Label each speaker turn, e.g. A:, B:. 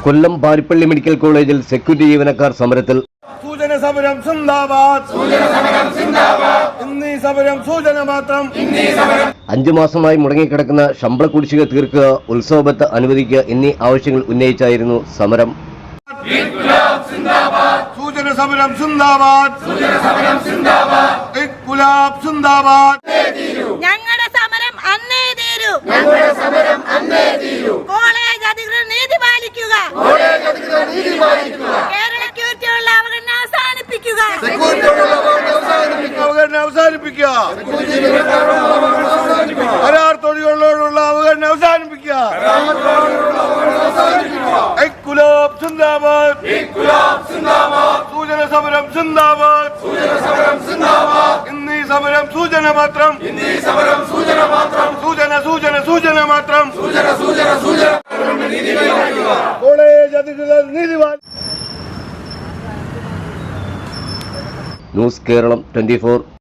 A: കൊല്ലം Paripally medical കോളേജിൽ security ജീവനക്കാർ സമരത്തിൽ.
B: സൂചന സമരം സിന്ദാബാദ്, ഇന്നീ സമരം സൂചന മാത്രം.
A: 5 മാസമായി മുടങ്ങിക്കിടക്കുന്ന ശമ്പള കുടിശ്ശിക തീർക്കുക, ഉത്സവബത്ത് അനുവദിക്കുക എന്നീ ആവശ്യങ്ങൾ ഉന്നയിച്ചായിരുന്നു സമരം.
B: സൂചന സമരം സിന്ദാബാദ്, ഇൻക്ലാബ് സിന്ദാബാദ്.
C: ഞങ്ങളുടെ സമരം അന്നേ തീരൂ. കോളേജ് അധികൃതർ നീതി പാലിക്കുക. കേരളയ്ക്കുള്ള അവഗണന അവസാനിപ്പിക്കുക.
B: കരാർ തൊഴിലാളികളോടുള്ള അവഗണന അവസാനിപ്പിക്കുക. ഇൻക്ലാബ് സിന്ദാബാദ്, സൂചന സമരം സിന്ദാബാദ്, ഇന്നീ സമരം സൂചന മാത്രം. സൂചന മാത്രം. കോളേജ് അധികൃതർ നീതിവാൻ.
A: ന്യൂസ് കേരളം 24.